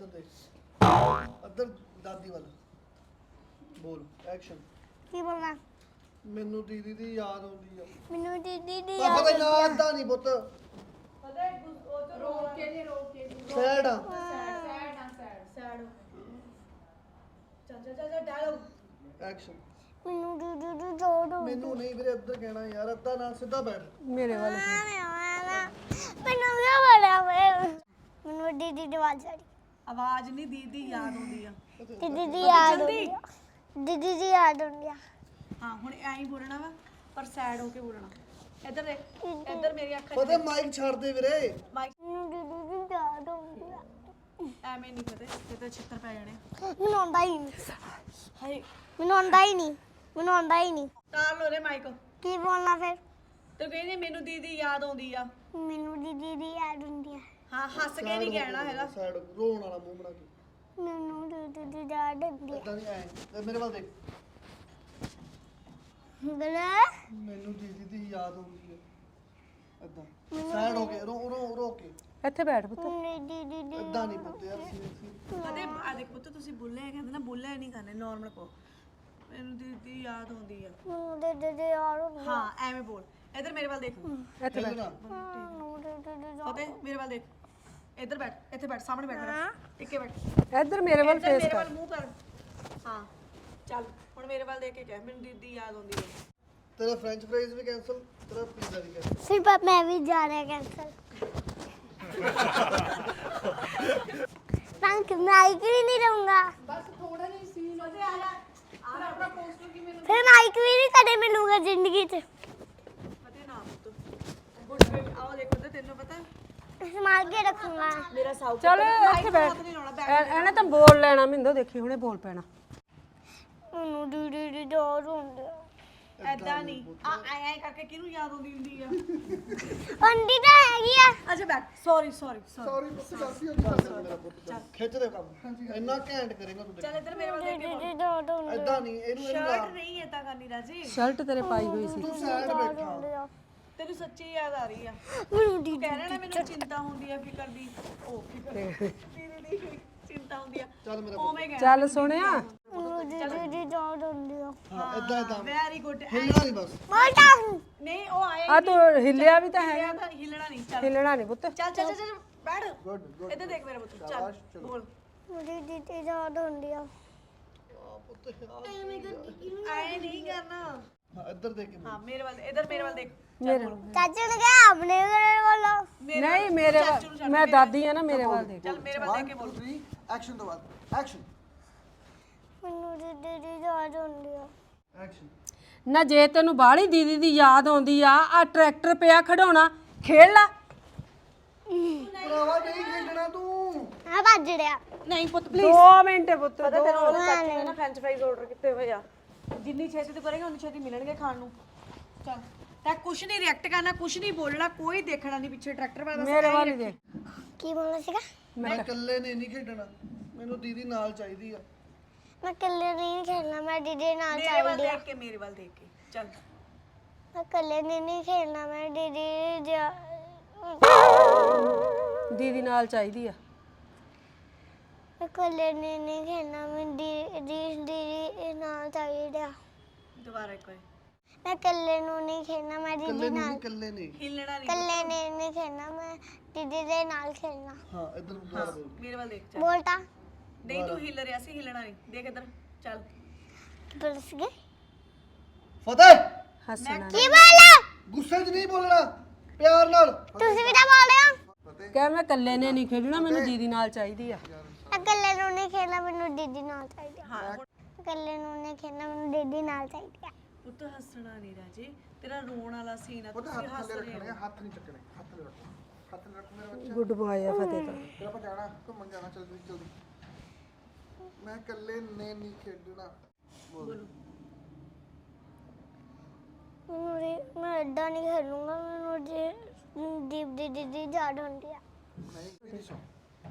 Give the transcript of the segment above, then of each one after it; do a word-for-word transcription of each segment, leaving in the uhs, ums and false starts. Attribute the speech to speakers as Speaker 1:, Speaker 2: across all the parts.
Speaker 1: ਇੱਧਰ ਦੇਖ ਇੱਧਰ ਦਾਦੀ ਵੱਲ ਬੋਲ ਐਕਸ਼ਨ
Speaker 2: ਕੀ ਬੋਲਣਾ
Speaker 1: ਮੈਨੂੰ ਦੀਦੀ ਦੀ ਯਾਦ ਆਉਂਦੀ ਆ
Speaker 2: ਮੈਨੂੰ ਦੀਦੀ ਦੀ
Speaker 1: ਪਾਪਾ ਦਾ ਨਾਂ ਏਦਾਂ ਨਹੀਂ ਪੁੱਤ
Speaker 3: ਪਤਾ ਹੈ ਉਹ ਤੋਂ ਰੋਕ ਕੇ ਨਹੀਂ ਰੋਕ ਕੇ ਨਹੀਂ
Speaker 1: ਸੈਡ ਆ
Speaker 3: ਸੈਡ ਸੈਡ ਨਾ ਸੈਡ ਸੈਡ ਚੱਲ ਚੱਲ ਚੱਲ ਡਾਇਲੌਗ
Speaker 1: ਐਕਸ਼ਨ
Speaker 2: ਮੈਨੂੰ ਦੀਦੀ ਦੀ ਯਾਦ ਆਉਂਦੀ
Speaker 1: ਮੈਨੂੰ ਨਹੀਂ ਵੀਰੇ ਇੱਧਰ ਕਹਿਣਾ ਯਾਰ ਅੱਧਾ ਨਾਲ ਸਿੱਧਾ ਬੈਠ
Speaker 4: ਮੇਰੇ ਵੱਲ
Speaker 2: ਮੈਨੂੰ ਕੀ ਬੋਲਿਆ ਮੈਨੂੰ ਦੀਦੀ ਦੀ ਆਵਾਜ਼ ਆ ਰਹੀ
Speaker 3: ਆਵਾਜ਼ ਨਹੀਂ ਦੀਦੀ ਯਾਦ ਆਉਂਦੀ ਆ
Speaker 2: ਦੀਦੀ ਦੀ ਯਾਦ ਆਉਂਦੀ ਆ ਦੀਦੀ ਦੀ ਯਾਦ ਆਉਂਦੀ ਆ
Speaker 3: ਹਾਂ ਹੁਣ ਐਂ ਹੀ ਬੋਲਣਾ ਵਾ ਪਰ ਸੈਡ ਹੋ ਕੇ ਬੋਲਣਾ ਇੱਧਰ ਦੇਖ ਇੱਧਰ ਮੇਰੀ ਅੱਖਾਂ
Speaker 1: ਪਤਾ ਮਾਈਕ ਛੱਡ ਦੇ ਵੀਰੇ
Speaker 3: ਮਾਈਕ
Speaker 2: ਮੈਨੂੰ ਦੀਦੀ ਦੀ ਯਾਦ ਆਉਂਦੀ ਆ
Speaker 3: ਐਵੇਂ ਨਹੀਂ ਪਤਾ ਤੇ ਤਾਂ ਛਿੱਤਰ ਪੈ ਜਾਣੇ
Speaker 2: ਮੈਨੂੰ ਆਉਂਦਾ ਹੀ ਨਹੀਂ
Speaker 3: ਹਾਏ
Speaker 2: ਮੈਨੂੰ ਆਉਂਦਾ ਹੀ ਨਹੀਂ ਮੈਨੂੰ ਆਉਂਦਾ ਹੀ ਨਹੀਂ
Speaker 3: ਤਾਰ ਲੋ ਰੇ ਮਾਈਕ
Speaker 2: ਕੀ ਬੋਲਣਾ ਫਿਰ
Speaker 3: ਤੂੰ ਕਹਿੰਦੀ ਮੈਨੂੰ ਦੀਦੀ ਯਾਦ ਆਉਂਦੀ ਆ
Speaker 2: ਮੈਨੂੰ ਦੀਦੀ ਦੀ ਯਾਦ ਆਉਂਦੀ ਆ
Speaker 3: ਹਾਂ ਹੱਸ ਕੇ ਨਹੀਂ ਕਹਿਣਾ ਹੈਗਾ
Speaker 1: ਸਾਈਡ ਰੋਣ ਵਾਲਾ ਮੂੰਹ ਬਣਾ ਕੇ
Speaker 2: ਮੈਨੂੰ ਦੀਦੀ ਦੀ ਯਾਦ ਆਉਂਦੀ ਆ
Speaker 1: ਏਦਾਂ ਨਹੀਂ ਐ ਤੇ ਮੇਰੇ ਵੱਲ ਦੇਖ
Speaker 2: ਗਲੇ
Speaker 1: ਮੈਨੂੰ ਦੀਦੀ ਦੀ ਯਾਦ ਆਉਂਦੀ ਆ ਏਦਾਂ ਸਾਈਡ ਹੋ ਕੇ ਰੋ ਰੋ ਰੋ ਕੇ
Speaker 4: ਇੱਥੇ ਬੈਠ ਪੁੱਤ
Speaker 2: ਮੈਨੂੰ ਦੀਦੀ ਦੀ
Speaker 1: ਏਦਾਂ ਨਹੀਂ ਪੁੱਤ ਯਾਰ ਸੀਰੀਅਸਲੀ
Speaker 3: ਕਦੇ ਆ ਦੇਖ ਪੁੱਤ ਤੁਸੀਂ ਬੋਲੇ ਕਹਿੰਦੇ ਨਾ ਬੋਲੇ ਨਹੀਂ ਕਰਨੇ ਨਾਰਮਲ ਕੋ ਮੈਨੂੰ ਦੀਦੀ ਯਾਦ ਆਉਂਦੀ ਆ
Speaker 2: ਮੈਨੂੰ ਦੀਦੀ ਦੀ ਯਾਦ ਆਉਂਦੀ ਆ
Speaker 3: ਹਾਂ ਐਵੇਂ ਬੋਲ ਇੱਧਰ ਮੇਰੇ ਵੱਲ ਦੇਖ
Speaker 4: ਇੱਥੇ ਬੈਠ
Speaker 2: ਮੈਨੂੰ ਦੀਦੀ ਦੀ ਯਾਦ
Speaker 3: ਫਤਿਹ ਮੇਰੇ ਵੱਲ ਦੇਖ ਇੱਧਰ ਬੈਠ ਇੱਥੇ ਬੈਠ ਸਾਹਮਣੇ ਬੈਠ ਮੇਰਾ ਟਿੱਕੇ ਬੈਠ
Speaker 4: ਇੱਧਰ ਮੇਰੇ ਵੱਲ
Speaker 3: ਇੱਧਰ
Speaker 4: ਫੇਸ
Speaker 3: ਮੇਰੇ
Speaker 4: ਕਰ
Speaker 3: ਵੱਲ ਮੂੰਹ ਕਰ ਹਾਂ ਚੱਲ ਹੁਣ ਮੇਰੇ ਵੱਲ ਦੇਖ ਕੇ ਕਹਿ ਮੈਨੂੰ ਦੀਦੀ ਯਾਦ ਆਉਂਦੀ ਹੈ
Speaker 1: ਤੇਰਾ ਫ੍ਰੈਂਚ ਫ੍ਰਾਈਜ਼ ਵੀ ਕੈਨਸਲ ਤੇਰਾ ਪੀਜ਼ਾ ਵੀ ਕੈਨਸਲ
Speaker 2: ਸਿਰਫ ਮੈਂ ਵੀ ਜਾ ਰਿਹਾ ਕੈਂਸਲ ਮੈਂ ਮਾਈਕ ਵੀ ਨਹੀਂ ਰਹੂੰਗਾ
Speaker 3: ਫਤਿਹ ਆ ਜਾ ਆ ਆਪਣਾ ਪੋਸਟਰ ਕੀ ਮੈਨੂੰ
Speaker 2: ਫਿਰ ਮਾਈਕ ਵੀ ਨਹੀਂ ਕਦੇ ਮਿਲੂਗਾ ਜ਼ਿੰਦਗੀ 'ਚ
Speaker 3: ਫਤਿਹ ਨਾ ਪੁੱਤ ਗੁੱਡ ਬੇਬੀ ਆਓ ਦੇਖੋ ਤੇ ਤੈਨੂੰ ਪਤਾ
Speaker 2: ਸੰਭਾਲ ਕੇ ਰੱਖੂੰਗਾ
Speaker 3: ਮੇਰਾ ਸਾਊ
Speaker 4: ਚਲ ਇੱਥੇ ਬੈਠ ਐ- ਇਹਨੇ ਤਾਂ ਬੋਲ ਲੈਣਾ ਮਿੰਦੋ ਦੇਖੀ ਹੁਣੇ ਬੋਲ ਪੈਣਾ
Speaker 2: ਮੈਨੂੰ ਦੀਦੀ ਦੀ ਯਾਦ ਆਉਂਦੀ ਆ
Speaker 3: ਐਦਾਂ ਨਹੀਂ ਆ ਐ ਐ ਕਰਕੇ ਕਿਹਨੂੰ ਯਾਦ ਆਉਂਦੀ ਹੁੰਦੀ ਆ
Speaker 2: ਆਉਂਦੀ ਤਾਂ ਹੈਗੀ ਆ
Speaker 3: ਅੱਛਾ ਬੈਠ ਸੌਰੀ ਸੌਰੀ ਸੌਰੀ
Speaker 1: ਸੌਰੀ ਪੁੱਤ ਗਲਤੀ ਹੋ ਗਈ ਸਾਡੇ ਮੇਰਾ ਪੁੱਤ ਖਿੱਚ ਦੇ ਕੰਮ ਇੰਨਾ ਘੈਂਟ ਕਰੇਗਾ ਤੂੰ
Speaker 3: ਚੱਲ ਇੱਧਰ ਮੇਰੇ ਵੱਲ ਦੇਖ ਕੇ
Speaker 2: ਦੀਦੀ
Speaker 3: ਬੋਲ
Speaker 2: ਦੀ ਯਾਦ ਆਉਂਦੀ ਆ
Speaker 1: ਏਦਾਂ ਨਹੀਂ ਇਹਨੂੰ ਇਹਨੂੰ ਲਾ
Speaker 3: ਸ਼ਰਟ ਨਹੀਂ ਏਦਾਂ ਕਰਨੀ ਰਾਜੀ
Speaker 4: ਸ਼ਰਟ ਤੇਰੇ ਪਾਈ ਹੋਈ ਸੀ
Speaker 1: ਤੂੰ ਸਾਈਡ ਬੈਠਾ
Speaker 2: ਆ।
Speaker 3: ਤੈਨੂੰ ਸੱਚੀ ਯਾਦ ਆ ਰਹੀ ਆ
Speaker 2: ਮੈਨੂੰ ਦੀਦੀ
Speaker 3: ਕਹਿ ਰਿਹਾ ਨਾ ਮੈਨੂੰ ਚਿੰਤਾ ਹੁੰਦੀ ਆ ਫਿਕਰ ਦੀ ਉਹ ਫਿਕਰ ਦੀਦੀ ਦੀ ਚਿੰਤਾ ਹੁੰਦੀ ਆ
Speaker 1: ਚੱਲ ਮੇਰਾ
Speaker 3: ਓਵੇਂ ਕਹਿ
Speaker 4: ਚੱਲ ਸੁਣਿਆ
Speaker 2: ਮੈਨੂੰ ਦੀਦੀ ਦੀ ਯਾਦ ਆਉਂਦੀ ਆ
Speaker 1: ਹਾਂ ਏਦਾਂ ਏਦਾਂ
Speaker 3: ਵੈਰੀ ਗੁੱਡ
Speaker 1: ਹਿੱਲਣਾ ਨਹੀਂ ਬਸ
Speaker 2: ਮੋਟਾ
Speaker 3: ਨਹੀਂ ਉਹ ਆਏ
Speaker 4: ਆ ਤੂੰ ਹਿੱਲਿਆ ਵੀ ਤਾਂ ਹੈਗਾ
Speaker 3: ਹਿੱਲਿਆ ਤਾਂ ਹਿੱਲਣਾ ਨਹੀਂ ਚੱਲ
Speaker 4: ਹਿੱਲਣਾ ਨਹੀਂ ਪੁੱਤ
Speaker 3: ਚੱਲ ਚੱਲ ਚੱਲ ਬੈਠ
Speaker 1: ਗੁੱਡ ਗੁੱਡ
Speaker 3: ਇੱਧਰ ਦੇਖ ਮੇਰੇ ਪੁੱਤ ਚੱਲ ਬੋਲ
Speaker 2: ਮੇਰੀ ਦੀਦੀ ਦੀ ਯਾਦ ਆਉਂਦੀ ਆ
Speaker 1: ਆ ਪੁੱਤ ਯਾਰ
Speaker 3: ਆਏ ਨਹੀਂ ਕਰਨਾ
Speaker 1: ਹਾਂ ਇੱਧਰ ਦੇਖ ਕੇ
Speaker 3: ਹਾਂ ਮੇਰੇ ਵੱਲ ਇੱਧਰ ਮੇਰੇ ਵੱਲ ਦੇਖ
Speaker 4: ਮੇਰੇ
Speaker 2: ਚਾਚੂ ਨੇ ਕਿਹਾ ਆਪਣੇ ਘਰੇ ਬੋਲੋ
Speaker 4: ਨਹੀਂ ਮੇਰੇ ਵੱਲ ਮੈਂ ਦਾਦੀ ਆ ਨਾ ਮੇਰੇ ਵੱਲ ਦੇਖ
Speaker 3: ਚੱਲ ਮੇਰੇ ਵੱਲ ਦੇਖ ਕੇ ਬੋਲ
Speaker 1: ਐਕਸ਼ਨ ਤੋਂ ਬਾਅਦ ਐਕਸ਼ਨ
Speaker 2: ਮੈਨੂੰ ਦੀਦੀ ਦੀ ਯਾਦ ਆਉਂਦੀ ਆ
Speaker 1: ਐਕਸ਼ਨ
Speaker 4: ਨਾ ਜੇ ਤੈਨੂੰ ਬਾਹਲੀ ਦੀਦੀ ਦੀ ਯਾਦ ਆਉਂਦੀ ਆ ਆ ਟਰੈਕਟਰ ਪਿਆ ਖੜਾਉਣਾ ਖੇਡ ਲੈ
Speaker 1: ਭਰਾਵਾ ਨਹੀਂ ਖੇਡਣਾ ਤੂੰ
Speaker 2: ਆ ਭੱਜ ਰਿਹਾ
Speaker 3: ਨਹੀਂ ਪੁੱਤ
Speaker 4: ਦੋ ਮਿੰਟ ਪੁੱਤ
Speaker 3: ਪਤਾ ਤੈਨੂੰ ਉਹਦੇ ਚਾਚੂ ਨੇ ਨਾ ਫ੍ਰੈਂਚ ਫ੍ਰਾਈਜ਼ ਆਰਡਰ ਕੀਤੇ ਹੋਏ ਆ ਜਿੰਨੀ ਛੇਤੀ ਤੂੰ ਕਰੇਗਾ ਉਨੀ ਛੇਤੀ ਮਿਲਣਗੇ ਖਾਣ ਨੂੰ ਚੱਲ ਤਾਂ ਕੁਛ ਨਹੀਂ ਰਿਐਕਟ ਕਰਨਾ ਕੁਛ ਨਹੀਂ ਬੋਲਣਾ ਕੋਈ ਦੇਖਣਾ ਨਹੀਂ ਪਿੱਛੇ ਟਰੈਕਟਰ ਵਾਲਾ
Speaker 4: ਮੇਰੇ ਵੱਲ ਹੀ ਦੇਖ
Speaker 2: ਕੀ ਬੋਲਣਾ ਸੀਗਾ
Speaker 1: ਮੈਂ ਇਕੱਲੇ ਨੇ ਨਹੀਂ ਖੇਡਣਾ ਮੈਨੂੰ ਦੀਦੀ ਨਾਲ ਚਾਹੀਦੀ ਆ
Speaker 2: ਮੈਂ ਇਕੱਲੇ ਨਹੀਂ ਖੇਡਣਾ ਮੈਂ ਦੀਦੀ ਨਾਲ
Speaker 3: ਮੇਰੇ ਵੱਲ
Speaker 2: ਚਾਹੀਦੀ ਆ
Speaker 3: ਦੇਖ ਕੇ ਮੇਰੇ ਵੱਲ ਦੇਖ ਕੇ ਚੱਲ
Speaker 2: ਮੈਂ ਇਕੱਲੇ ਨਹੀਂ ਖੇਡਣਾ ਮੈਂ ਦੀਦੀ ਜਾ-
Speaker 4: ਦੀਦੀ ਨਾਲ ਚਾਹੀਦੀ ਆ
Speaker 2: ਮੈਂ ਇਕੱਲੇ ਨਹੀਂ ਖੇਡਣਾ ਮੈਂ ਦੀਦੀ ਦੀਦੀ ਨਾਲ ਚਾਹੀਦੀ ਆ
Speaker 3: ਦੁਬਾਰਾ ਇੱਕ ਵਾਰ
Speaker 2: ਮੈਂ ਇਕੱਲੇ ਨੂੰ ਨਹੀਂ ਖੇਡਣਾ ਮੈਂ ਦੀਦੀ
Speaker 1: ਇਕੱਲੇ ਨੂੰ
Speaker 2: ਨਾਲ
Speaker 1: ਨਹੀਂ ਇਕੱਲੇ ਨੇ
Speaker 3: ਹਿੱਲਣਾ ਨਹੀਂ
Speaker 2: ਇਕੱਲੇ ਨੇ ਨਹੀਂ ਖੇਡਣਾ ਮੈਂ ਦੀਦੀ ਦੇ ਨਾਲ ਖੇਡਣਾ
Speaker 1: ਹਾਂ ਇੱਧਰ ਦੁਬਾਰਾ ਬੋਲ
Speaker 3: ਮੇਰੇ ਵੱਲ ਦੇਖ ਚੱਲ
Speaker 2: ਬੋਲਤਾ
Speaker 3: ਨਹੀਂ ਤੂੰ ਹਿੱਲ ਰਿਹਾ ਸੀ ਹਿੱਲਣਾ ਨਹੀਂ ਦੇਖ ਇੱਧਰ ਚੱਲ
Speaker 2: ਬੋਲਸ ਗਏ
Speaker 1: ਫਤਿਹ
Speaker 4: ਹੱਸਣਾ
Speaker 2: ਕੀ ਬੋਲਾ
Speaker 1: ਗੁੱਸੇ 'ਚ ਨਹੀਂ ਬੋਲਣਾ ਪਿਆਰ ਨਾਲ
Speaker 2: ਤੁਸੀਂ ਵੀ ਤਾਂ ਬੋਲ ਰਹੇ ਹੋ
Speaker 4: ਕਹਿ ਮੈਂ ਇਕੱਲੇ ਨੇ ਨਹੀਂ ਖੇਡਣਾ ਮੈਨੂੰ ਦੀਦੀ ਨਾਲ ਚਾਹੀਦੀ ਆ
Speaker 2: ਮੈਂ ਇਕੱਲੇ ਨੂੰ ਨਹੀਂ ਖੇਡਣਾ ਮੈਨੂੰ ਦੀਦੀ ਨਾਲ ਚਾਹੀਦੀ ਆ
Speaker 3: ਹਾਂ ਹੁਣ
Speaker 2: ਇਕੱਲੇ ਨੂੰ ਨਹੀਂ ਖੇਡਣਾ ਮੈਨੂੰ ਦੀਦੀ ਨਾਲ ਚਾਹੀਦੀ ਆ
Speaker 3: ਪੁੱਤ ਹੱਸਣਾ ਨਹੀਂ ਰਾਜੇ ਤੇਰਾ ਰੋਣ ਵਾਲਾ ਸੀਨ ਆ
Speaker 1: ਉਹਦੇ
Speaker 3: ਤੁਸੀਂ
Speaker 1: ਹੱਥ
Speaker 3: ਹੱਸ
Speaker 1: ਥੱਲੇ
Speaker 3: ਰਹੇ
Speaker 1: ਰੱਖਣੇ
Speaker 3: ਹੋ
Speaker 1: ਆ, ਹੱਥ ਨਹੀਂ ਚੱਕਣੇ ਹੱਥ ਥੱਲੇ ਰੱਖੋ ਹੱਥ ਥੱਲੇ ਰੱਖੋ ਮੇਰਾ ਬੱਚਾ
Speaker 4: ਗੁੱਡ ਬॉय ਆ ਫਤਿਹ ਤਾਂ
Speaker 1: ਫਿਰ ਆਪਾਂ ਜਾਣਾ ਘੁੰਮਣ ਜਾਣਾ ਜਲਦੀ ਜਲਦੀ ਮੈਂ ਇਕੱਲੇ ਨੇ ਨਹੀਂ ਖੇਡਣਾ ਬੋਲ
Speaker 2: ਮੈਨੂੰ ਰੀ- ਮੈਂ ਏਦਾਂ ਨਹੀਂ ਖੇਡੂੰਗਾ ਮੈਨੂੰ ਜੀ ਦੀਪ ਦੀ ਦੀਦੀ ਯਾਦ ਹੁੰਦੀ ਆ
Speaker 1: ਨਹੀਂ ਮੇਰੀ ਸੁਣ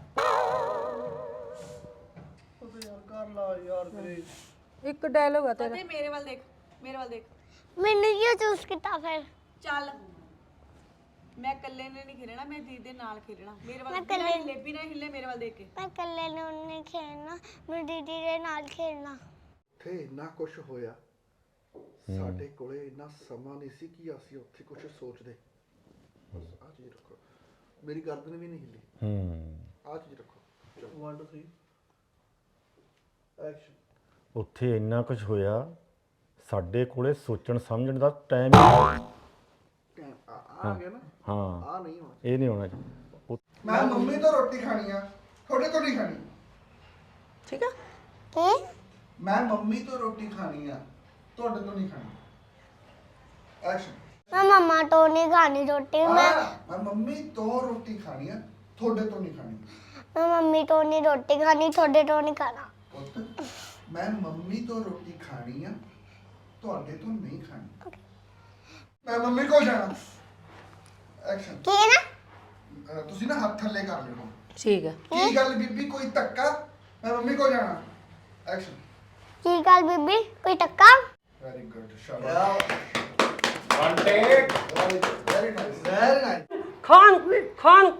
Speaker 1: ਉਹਦੇ ਯਾਰ ਕਰ ਲਾ ਯਾਰ ਵੀਰੇ
Speaker 4: ਇੱਕ ਡਾਇਲੋਗ ਆ ਤੇਰਾ
Speaker 3: ਫਤਿਹ ਮੇਰੇ ਵੱਲ ਦੇਖ ਮੇਰੇ ਵੱਲ ਦੇਖ
Speaker 2: ਮੈਨੂੰ ਕਿਉਂ ਚੂਜ਼ ਕੀਤਾ ਫਿਰ
Speaker 3: ਚੱਲ ਮੈਂ ਇਕੱਲੇ ਨੇ ਨਹੀਂ ਖੇਡਣਾ, ਮੈਂ ਦੀਦੀ ਦੇ ਨਾਲ ਖੇਡਣਾ। ਮੇਰੇ ਵੱਲ ਬਿਨਾਂ ਹਿੱਲੇ ਬਿਨਾਂ ਹਿੱਲੇ ਮੇਰੇ ਵੱਲ ਦੇਖ ਕੇ।
Speaker 2: ਮੈਂ ਇਕੱਲੇ ਨੂੰ ਨਹੀਂ ਖੇਡਣਾ, ਮੈਂ ਦੀਦੀ ਦੇ ਨਾਲ ਖੇਡਣਾ।
Speaker 1: ਤੇ ਇੰਨਾ ਕੁਝ ਹੋਇਆ, ਸਾਡੇ ਕੋਲੇ ਇੰਨਾ ਸਮਾਂ ਨਹੀਂ ਸੀ ਕਿ ਅਸੀਂ ਉੱਥੇ ਕੁਝ ਸੋਚਦੇ। ਆ ਚੀਜ਼ ਰੱਖੋ, ਮੇਰੀ ਗਰਦਨ ਵੀ ਨਹੀਂ ਹਿੱਲੀ। ਹੂੰ ਆ ਚੀਜ਼ ਰੱਖੋ। ਇੱਕ ਦੋ ਤਿੰਨ ਐਕਸ਼ਨ।
Speaker 5: ਉੱਥੇ ਇੰਨਾ ਕੁਝ ਹੋਇਆ, ਸਾਡੇ ਕੋਲੇ ਸੋਚਣ ਸਮਝਣ ਦਾ ਟਾਈਮ ਹੀ
Speaker 1: ਟਾਈਮ ਆ ਗਿਆ ਨਾ।
Speaker 5: ਹਾਂ
Speaker 1: ਆ ਨਹੀਂ ਹੋਣਾ,
Speaker 5: ਇਹ ਨਹੀਂ ਹੋਣਾ ਚਾਹੀਦਾ।
Speaker 1: ਮੈਂ ਮੰਮੀ ਤੋਂ ਰੋਟੀ ਖਾਣੀ ਆ, ਤੁਹਾਡੇ ਤੋਂ ਨਹੀਂ ਖਾਣੀ।
Speaker 3: ਠੀਕ ਆ?
Speaker 2: ਕੀ?
Speaker 1: ਮੈਂ ਮੰਮੀ ਤੋਂ ਰੋਟੀ ਖਾਣੀ ਆ, ਤੁਹਾਡੇ ਤੋਂ ਨਹੀਂ ਖਾਣੀ। ਐਕਸ਼ਨ।
Speaker 2: ਮੈਂ ਮੰਮਾ ਤੋਂ ਨਹੀਂ ਖਾਣੀ ਰੋਟੀ। ਮੈਂ
Speaker 1: ਮੈਂ ਮੰਮੀ ਤੋਂ ਰੋਟੀ ਖਾਣੀ ਆ, ਤੁਹਾਡੇ ਤੋਂ ਨਹੀਂ ਖਾਣੀ।
Speaker 2: ਮੈਂ ਮੰਮੀ ਤੋਂ ਨਹੀਂ ਰੋਟੀ ਖਾਣੀ, ਤੁਹਾਡੇ ਤੋਂ ਨਹੀਂ ਖਾਣਾ।
Speaker 1: ਪੁੱਤ, ਮੈਂ ਮੰਮੀ ਤੋਂ ਰੋਟੀ ਖਾਣੀ ਆ, ਤੁਹਾਡੇ ਤੋਂ ਨਹੀਂ ਖਾਣੀ। ਮੈਂ ਮੰਮੀ ਕੋਲ ਜਾਣਾ। ਐਕਸ਼ਨ।
Speaker 2: ਕੀ ਹੈ ਨਾ?
Speaker 1: ਅਹ ਤੁਸੀਂ ਨਾ ਹੱਥ ਥੱਲੇ ਕਰ ਲਿਓ।
Speaker 4: ਠੀਕ ਹੈ।
Speaker 1: ਕੀ ਗੱਲ ਬੀਬੀ, ਕੋਈ ਧੱਕਾ? ਮੈਂ ਮੰਮੀ ਕੋਲ ਜਾਣਾ। ਐਕਸ਼ਨ।
Speaker 2: ਕੀ ਗੱਲ ਬੀਬੀ, ਕੋਈ ਟੱਕਾ?
Speaker 1: ਵੈਰੀ ਗੁੱਡ, ਸ਼ਾਬਾਸ਼। One take. Very nice, very nice.
Speaker 4: ਖਾਨ ਖਾਨ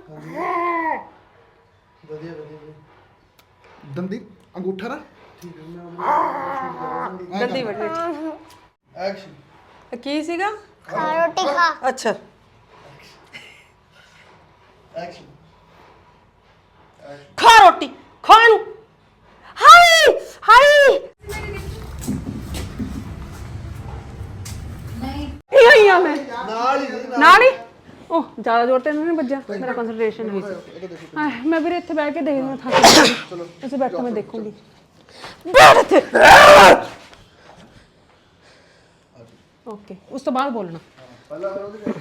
Speaker 1: ਵਧੀਆ ਵਧੀਆ। ਦੰਦੀ ਅੰਗੂਠਾ ਨਾ। ਠੀਕ ਹੈ, ਮੈਂ
Speaker 3: ਗੰਦੀ ਵੱਡੀ।
Speaker 1: ਐਕਸ਼ਨ।
Speaker 4: ਕੀ ਸੀਗਾ?
Speaker 2: ਖਾ ਰੋਟੀ ਖਾ।
Speaker 4: ਅੱਛਾ
Speaker 1: ਐਕਸ਼ਨ।
Speaker 4: ਖਾ ਰੋਟੀ ਖਾ ਨੂੰ। ਹਾਈ ਹਾਈ ਨਹੀਂ ਆਈ ਆ ਮੈਂ
Speaker 1: ਨਾਲ ਹੀ
Speaker 4: ਨਾਲ ਹੀ। ਉਹ ਜ਼ਿਆਦਾ ਜ਼ੋਰ ਤੇ ਨਹੀਂ ਵੱਜਿਆ, ਮੇਰਾ ਕੰਸੈਂਟਰੇਸ਼ਨ ਹੋਈ ਸੀ। ਹਾਏ ਮੈਂ ਵੀਰੇ ਇੱਥੇ ਬਹਿ ਕੇ ਦੇਖਦੀ ਹਾਂ, ਥੱਕ ਗਈ। ਚਲੋ ਤੁਸੀਂ ਬੈਠੋ, ਮੈਂ ਦੇਖੂੰਗੀ। ਬੈਠ ਇੱਥੇ। ਓਕੇ, ਉਸ ਤੋਂ ਬਾਅਦ ਬੋਲਣਾ।
Speaker 1: ਪਹਿਲਾਂ ਫਿਰ ਉਹਦੇ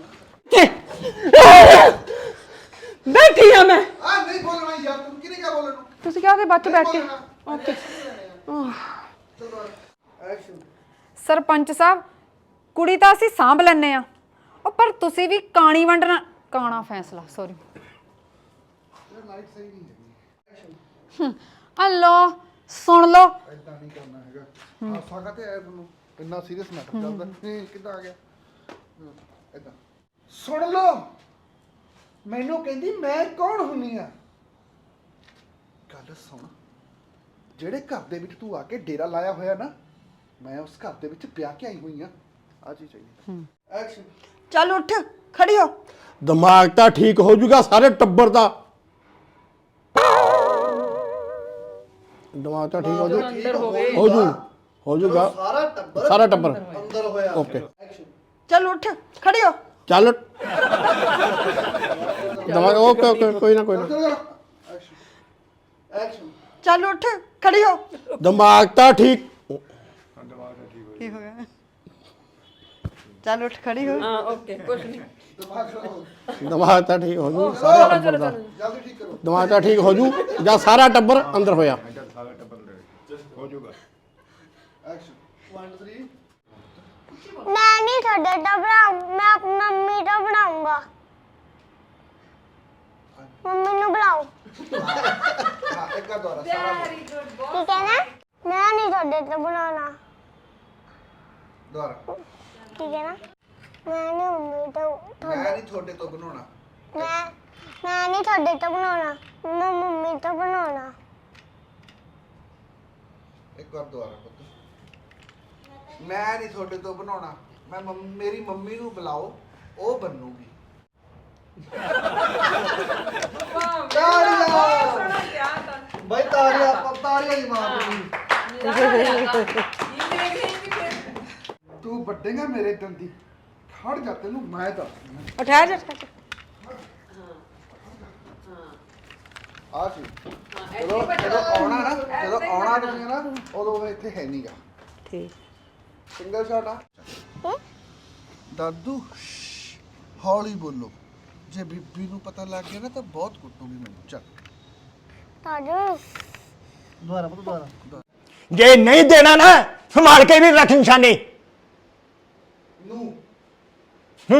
Speaker 4: ਬੈਠੀ ਆ ਮੈਂ।
Speaker 1: ਆ ਨਹੀਂ ਬੋਲਣਾ ਯਾਰ, ਤੂੰ ਕਿਹਨੇ ਕਿਹਾ ਬੋਲਣ ਨੂੰ?
Speaker 4: ਤੁਸੀਂ ਕਿਹਾ ਕਿ ਬੱਚ ਬੈਠ ਕੇ। ਓਕੇ।
Speaker 1: ਚਲੋ ਐਕਸ਼ਨ।
Speaker 6: ਸਰਪੰਚ ਸਾਹਿਬ, ਕੁੜੀ ਤਾਂ ਅਸੀਂ ਸਾਂਭ ਲੈਨੇ ਆ, ਉਹ ਪਰ ਤੁਸੀਂ ਵੀ ਕਾਣੀ ਵੰਡਣਾ ਕਾਣਾ ਫੈਸਲਾ ਸੌਰੀ
Speaker 1: ਯਾਰ ਲਾਈਟ ਸਹੀ ਨਹੀਂ ਹੈਗੀ। ਐਕਸ਼ਨ।
Speaker 6: ਆ ਲੋ ਸੁਣ ਲਓ।
Speaker 1: ਇਦਾਂ ਨਹੀਂ ਕਰਨਾ ਹੈਗਾ। ਹਾਸਾ ਕਾ ਤੇ ਆਇਆ ਤੁਹਾਨੂੰ, ਇੰਨਾ ਸੀਰੀਅਸ ਮੈਟਰ ਚੱਲਦਾ। ਨਹੀਂ ਕਿੱਦਾਂ ਆ ਗਿਆ ਇਦਾਂ। ਸੁਣ ਲਓ, ਮੈਨੂੰ ਕਹਿੰਦੀ ਮੈਂ ਕੌਣ ਹੁੰਨੀ ਆ। ਗੱਲ ਸੁਣ, ਜਿਹੜੇ ਘਰ ਦੇ ਵਿੱਚ ਤੂੰ ਆ ਕੇ ਡੇਰਾ ਲਾਇਆ ਹੋਇਆ ਨਾ, ਮੈਂ ਉਸ ਘਰ ਦੇ ਵਿੱਚ ਵਿਆਹ ਕੇ ਆਈ ਹੋਈ ਆ। ਆ ਜੀ ਚਾਹੀਦੀ। ਐਕਸ਼ਨ।
Speaker 3: ਚੱਲ ਉੱਠ ਖੜੀ ਹੋ।
Speaker 5: ਦਿਮਾਗ ਤਾਂ ਠੀਕ ਹੋ ਜਾਊਗਾ ਸਾਰੇ ਟੱਬਰ ਦਾ। ਦਿਮਾਗ ਤਾਂ ਠੀਕ ਹੋ ਜੂ ਹੋ ਜੂ ਹੋ ਜਾਊਗਾ
Speaker 1: ਸਾਰਾ ਟੱਬਰ
Speaker 5: ਸਾਰਾ ਟੱਬਰ
Speaker 1: ਅੰਦਰ ਹੋਇਆ।
Speaker 5: ਓਕੇ।
Speaker 1: ਐਕਸ਼ਨ।
Speaker 3: ਚੱਲ ਉੱਠ ਖੜੀ ਹੋ।
Speaker 5: ਚੱਲ ਦਿਮਾਗ ਓਕੇ ਓਕੇ ਕੋਈ ਨਾ ਕੋਈ ਨਾ।
Speaker 1: ਐਕਸ਼ਨ। ਐਕਸ਼ਨ।
Speaker 3: ਚੱਲ ਉੱਠ ਖੜੀ ਹੋ।
Speaker 5: ਦਿਮਾਗ ਤਾਂ ਠੀਕ।
Speaker 3: ਕੀ ਹੋ ਗਿਆ? ਚੱਲ ਉੱਠ ਖੜੀ ਹੋ।
Speaker 4: ਹਾਂ ਓਕੇ, ਕੁਝ ਨਹੀਂ।
Speaker 1: ਦਿਮਾਗ ਖਰਾਬ ਹੋ ਗਿਆ।
Speaker 5: ਦਿਮਾਗ ਤਾਂ ਠੀਕ ਹੋ ਜੂ ਸਾਰੇ ਟੱਬਰ ਦਾ।
Speaker 1: ਜਲਦੀ ਠੀਕ ਕਰੋ।
Speaker 5: ਦਿਮਾਗ ਤਾਂ ਠੀਕ ਹੋ ਜੂ ਜਾਂ ਸਾਰਾ ਟੱਬਰ ਅੰਦਰ ਹੋਇਆ।
Speaker 1: ਐਕਸ਼ਨ। ਇੱਕ ਦੋ ਤਿੰਨ।
Speaker 2: ਮੈਂ ਨਹੀਂ ਤੁਹਾਡੇ ਤੋਂ ਬਣਾਉਂ, ਮੈਂ ਆਪਣੀ ਮੰਮੀ ਤੋਂ ਬਣਾਉਂਗਾ। ਮੰਮੀ ਨੂੰ ਬੁਲਾਓ।
Speaker 1: ਹਾਂ ਇੱਕ ਆ ਦੁਆਰਾ ਸਾਰਾ
Speaker 2: ਕੀ ਕਹਿਣਾ? ਮੈਂ ਨਹੀਂ ਤੁਹਾਡੇ ਤੋਂ ਬਣਾਉਣਾ।
Speaker 1: ਦੁਆਰਾ।
Speaker 2: ਕੀ ਕਹਿਣਾ? ਮੈਂ ਨਹੀਂ ਮੰਮੀ ਤੋਂ
Speaker 1: ਮੈਂ ਨਹੀਂ ਤੁਹਾਡੇ ਤੋਂ ਬਣਾਉਣਾ।
Speaker 2: ਮੈਂ ਮੈਂ ਨਹੀਂ ਤੁਹਾਡੇ ਤੋਂ ਬਣਾਉਣਾ, ਮੈਂ ਮੰਮੀ ਤੋਂ ਬਣਾਉਣਾ।
Speaker 1: ਇੱਕ ਵਾਰ ਦੁਆਰਾ ਪੁੱਤ। ਮੈਂ ਨਹੀਂ ਤੁਹਾਡੇ ਤੋਂ ਬਣਾਉਣਾ, ਮੈਂ ਮੰਮ- ਮੇਰੀ ਮੰਮੀ ਨੂੰ ਬੁਲਾਓ, ਉਹ ਬਣੂਗੀ। ਤਾੜੀਆਂ ਬਈ, ਤਾੜੀਆਂ ਤਾੜੀਆਂ ਹੀ ਮਾਰਨੀ। ਤੂੰ ਵੱਡੇਗਾ ਮੇਰੇ ਦੰਦੀ, ਖੜ ਜਾ, ਤੈਨੂੰ ਮੈਂ ਦੱਸ।
Speaker 3: ਉਠਾ ਜਾ।
Speaker 1: ਆ ਸੀ ਜਦੋਂ ਜਦੋਂ ਆਉਣਾ ਨਾ, ਜਦੋਂ ਆਉਣਾ ਤੁਸੀਂ ਨਾ, ਉਦੋਂ ਉਹ ਇੱਥੇ ਹੈ ਨਹੀਂਗਾ।
Speaker 3: ਠੀਕ।
Speaker 1: ਸਿੰਗਲ ਸ਼ਾਟ ਆ। ਦਾਦੂ ਹੌਲੀ ਬੋਲੋ, ਜੇ ਬੀਬੀ ਨੂੰ ਪਤਾ ਲੱਗ ਗਿਆ ਨਾ ਤਾਂ ਬਹੁਤ ਕੁੱਟੂਗੀ ਮੈਨੂੰ। ਚੱਲ
Speaker 2: ਤਾਜੂ
Speaker 1: ਦੁਬਾਰਾ ਪੁੱਤ ਦੁਬਾਰਾ।
Speaker 7: ਜੇ ਨਹੀਂ ਦੇਣਾ ਨਾ, ਸੰਭਾਲ ਕੇ ਵੀ ਰੱਖ ਨਿਸ਼ਾਨੇ
Speaker 1: ਨੂੰ।
Speaker 7: ਹੂੰ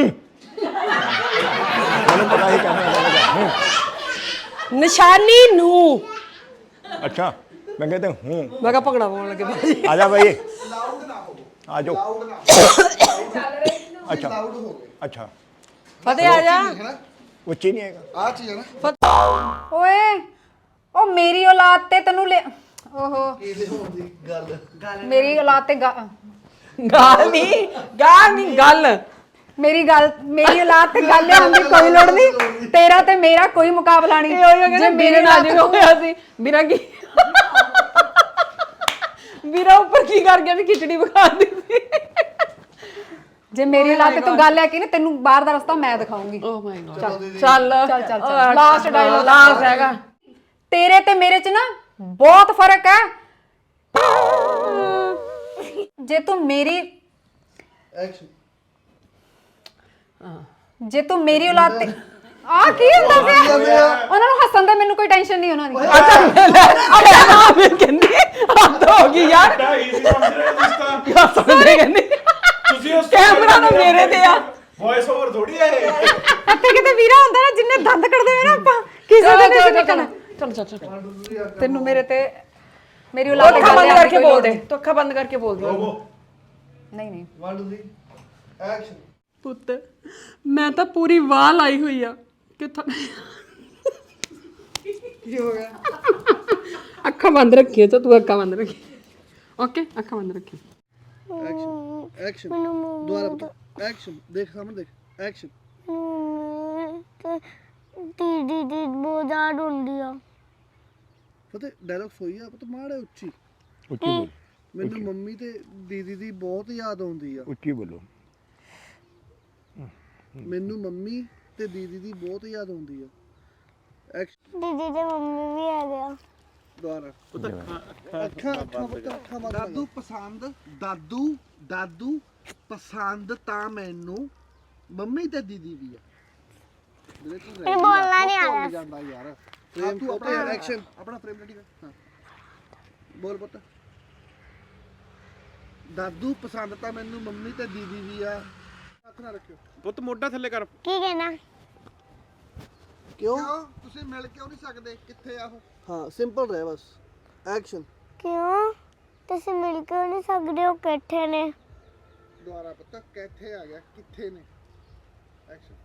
Speaker 7: ਮੈਨੂੰ ਪਤਾ ਹੀ ਕਹਿਣਾ।
Speaker 4: ਨਿਸ਼ਾਨੀ ਨੂੰ।
Speaker 7: ਅੱਛਾ ਮੈਂ ਕਹਿੰਦਾ ਹੂੰ
Speaker 4: ਮੈਂ ਕਿਹਾ ਭੰਗੜਾ ਪਾਉਣ ਲੱਗੇ ਬਾਜੀ।
Speaker 7: ਆ ਜਾ ਭਾਈ
Speaker 1: ਲਾਊਡ ਨਾ ਹੋ।
Speaker 7: ਆ ਜਾਓ।
Speaker 1: ਲਾਊਡ ਨਾ ਹੋ।
Speaker 7: ਅੱਛਾ
Speaker 1: ਲਾਊਡ ਹੋ ਗਏ।
Speaker 7: ਅੱਛਾ
Speaker 3: ਫਤਿਹ ਆ ਜਾ
Speaker 1: ਹੈ ਨਾ
Speaker 7: ਉੱਚੀ ਨਹੀਂ ਹੈਗਾ।
Speaker 1: ਆ ਚੀਜ਼ ਹੈ ਨਾ
Speaker 6: ਓਏ ਉਹ ਮੇਰੀ ਔਲਾਦ ਤੇ ਤੈਨੂੰ ਲੈ ਓਹੋ
Speaker 1: ਇਹਦੇ ਹੋਣ ਦੀ ਗੱਲ
Speaker 6: ਮੇਰੀ ਔਲਾਦ ਤੇ ਗਾ-
Speaker 3: ਗਾਲ ਨਹੀਂ ਗਾਲ ਨਹੀਂ ਗੱਲ
Speaker 6: ਮੇਰੀ ਗੱਲ ਮੇਰੀ ਔਲਾਦ ਤੇ ਗੱਲ ਲਿਆਉਣ ਦੀ ਕੋਈ ਲੋੜ ਨਹੀਂ ਤੇਰਾ ਤੇ ਮੇਰਾ ਕੋਈ ਮੁਕਾਬਲਾ ਨਹੀਂ
Speaker 3: ਇਹ ਹੋਇਆ ਕਹਿੰਦੇ ਮੇਰੇ ਨਾਲ ਜਿਵੇਂ ਹੋਇਆ ਸੀ ਵੀਰਾ ਕੀ ਵੀਰਾ ਉੱਪਰ ਕੀ ਕਰ ਗਿਆ ਵੀ ਖਿਚੜੀ ਬਖਾ ਦਿੱਤੀ
Speaker 6: ਜੇ ਮੇਰੀ ਔਲਾਦ ਤੇ ਤੂੰ ਗੱਲ ਲੈ ਕੇ ਨਾ ਤੈਨੂੰ ਬਾਹਰ ਦਾ ਰਸਤਾ ਮੈਂ ਦਿਖਾਉਂਗੀ
Speaker 3: ਓ ਮਾਈ ਗॉड
Speaker 6: ਚੱਲ
Speaker 3: ਚੱਲ
Speaker 6: ਚੱਲ ਚੱਲ ਚੱਲ ਲਾਸਟ ਡਾਇਲੋਗ
Speaker 3: ਲਾਸਟ ਹੈਗਾ
Speaker 6: ਤੇਰੇ ਤੇ ਮੇਰੇ ਚ ਨਾ ਬਹੁਤ ਫਰਕ ਹੈ ਜੇ ਤੂੰ ਮੇਰੀ
Speaker 1: ਐਕਸ਼ਨ
Speaker 6: ਜੇ ਤੂੰ ਮੇਰੀ ਔਲਾਦ ਤੇ ਆ ਕੀ ਹੁੰਦਾ ਪਿਆ ਉਹਨਾਂ ਨੂੰ ਹੱਸਣ ਦਾ ਮੈਨੂੰ ਕੋਈ ਟੈਨਸ਼ਨ ਨਹੀਂ ਉਹਨਾਂ ਦੀ
Speaker 3: ਅੱਛਾ ਨਾ ਮੈਂ ਕਹਿੰਦੀ ਹੱਦ ਹੋ ਗਈ ਯਾਰ
Speaker 5: ਢਾਈ ਸੀ ਸਮਝ ਰਹੇ ਹੋ ਤੁਸੀਂ ਤਾਂ
Speaker 3: ਯਾਰ ਸਮਝੇ ਕਹਿੰਦੀ
Speaker 5: ਤੁਸੀਂ ਉਸ
Speaker 3: ਕੈਮਰਾ ਨਾ ਮੇਰੇ ਤੇ ਆ
Speaker 5: ਵੌਇਸ ਓਵਰ ਥੋੜੀ ਹੈ ਇਹ।
Speaker 6: ਇੱਥੇ ਕਿਤੇ ਵੀਰਾ ਹੁੰਦਾ ਨਾ ਜਿੰਨੇ ਦੰਦ ਕੱਢਦੇ ਹੋਏ ਨਾ ਆਪਾਂ ਕਿਸੇ ਦੇ ਨਹੀਂ ਨਿਕਲਣਾ
Speaker 3: ਚਲ ਚਲ ਚਲ
Speaker 6: ਤੈਨੂੰ ਮੇਰੇ ਤੇ ਮੇਰੀ ਔਲਾਦ ਤੇ
Speaker 3: ਅੱਖਾਂ
Speaker 6: ਗੱਲ
Speaker 3: ਬੰਦ
Speaker 6: ਲਿਆਉਣ ਦੀ
Speaker 3: ਕਰਕੇ
Speaker 6: ਕੋਈ
Speaker 3: ਬੋਲ
Speaker 6: ਲੋੜ
Speaker 3: ਦੇ
Speaker 6: ਨਹੀਂ।
Speaker 3: ਤੂੰ ਅੱਖਾਂ ਬੰਦ ਕਰਕੇ ਬੋਲ ਦੇ
Speaker 6: ਨਹੀਂ ਨਹੀਂ
Speaker 1: ਵਨ ਟੂ ਥ੍ਰੀ ਐਕਸ਼ਨ
Speaker 4: ਪੁੱਤ ਮੈਂ ਤਾਂ ਪੂਰੀ ਵਾਹ ਲਾਈ ਹੋਈ ਆ ਕਿੱਥੋਂ
Speaker 1: ਕੀ ਹੋ ਗਿਆ
Speaker 4: ਅੱਖਾਂ ਬੰਦ ਰੱਖੀਏ ਤਾਂ ਤੂੰ ਅੱਖਾਂ ਬੰਦ ਰੱਖੀ ਓਕੇ ਅੱਖਾਂ ਬੰਦ ਰੱਖੀ
Speaker 1: ਐਕਸ਼ਨ ਐਕਸ਼ਨ ਦੁਬਾਰਾ ਬਤਾ ਐਕਸ਼ਨ ਦੇਖ ਸਾਹਮਣੇ ਦੇਖ ਐਕਸ਼ਨ
Speaker 2: ਦੀਦੀ ਦੀ ਬਹੁਤ ਜ਼ਿਆਦਾ ਹੁੰਦੀ ਆ
Speaker 1: ਫਤਿਹ ਡਾਇਲੌਗ ਸੋਈ ਆ ਪਤਾ ਮਾੜਾ ਉੱਚੀ
Speaker 7: ਉੱਚੀ ਬੋਲ
Speaker 1: ਮੈਨੂੰ ਮੰਮੀ ਤੇ ਦੀਦੀ ਦੀ ਬਹੁਤ ਯਾਦ ਆਉਂਦੀ ਆ
Speaker 7: ਉੱਚੀ ਬੋਲੋ।
Speaker 1: ਮੈਨੂੰ ਮੰਮੀ ਤੇ ਦੀਦੀ ਦੀ ਬਹੁਤ ਯਾਦ ਆਉਂਦੀ ਆ ਐਕਸ਼ਨ
Speaker 2: ਦੀਦੀ ਦੇ ਮੰਮੀ ਵੀ ਹੈਗੇ ਆ
Speaker 1: ਦੁਬਾਰਾ ਅੱਖਾਂ ਅੱਖਾਂ ਪੁੱਤ ਅੱਖਾਂ ਬੰਦ ਦਾਦੂ ਪਸੰਦ ਦਾਦੂ ਦਾਦੂ ਪਸੰਦ ਤਾਂ ਮੈਨੂੰ ਮੰਮੀ ਤੇ ਦੀਦੀ ਵੀ ਆ ਮੇਰੇ ਤੋਂ
Speaker 2: ਇਹ ਬੋਲਣਾ ਨਹੀਂ ਆ ਰਿਹਾ
Speaker 1: ਜਾਂਦਾ ਯਾਰ ਫਰੇਮ ਤੂੰ ਆਪਣਾ ਐਕਸ਼ਨ ਆਪਣਾ ਫਰੇਮ ਰੈਡੀ ਕਰ ਹਾਂ ਬੋਲ ਪੁੱਤ ਦਾਦੂ ਪਸੰਦ ਤਾਂ ਮੈਨੂੰ ਮੰਮੀ ਤੇ ਦੀਦੀ ਵੀ ਆ ਹੱਥ ਨਾ ਰੱਖਿਓ
Speaker 8: ਪੁੱਤ ਮੋਢਾ ਥੱਲੇ ਕਰ
Speaker 2: ਕੀ ਕਹਿਣਾ
Speaker 1: ਕਿਉਂ ਤੁਸੀਂ ਮਿਲ ਕਿਉਂ ਨਹੀਂ ਸਕਦੇ ਕਿੱਥੇ ਆ ਉਹ ਹਾਂ ਸਿੰਪਲ ਰਹਿ ਬਸ ਐਕਸ਼ਨ
Speaker 2: ਕਿਉਂ ਤੁਸੀਂ ਮਿਲ ਕੇ ਨਹੀਂ ਸਕਦੇ ਹੋ ਇਕੱਠੇ ਨੇ
Speaker 1: ਦੁਬਾਰਾ ਪੁੱਤ ਕਿੱਥੇ ਆ ਗਿਆ ਕਿੱਥੇ ਨੇ ਐਕਸ਼ਨ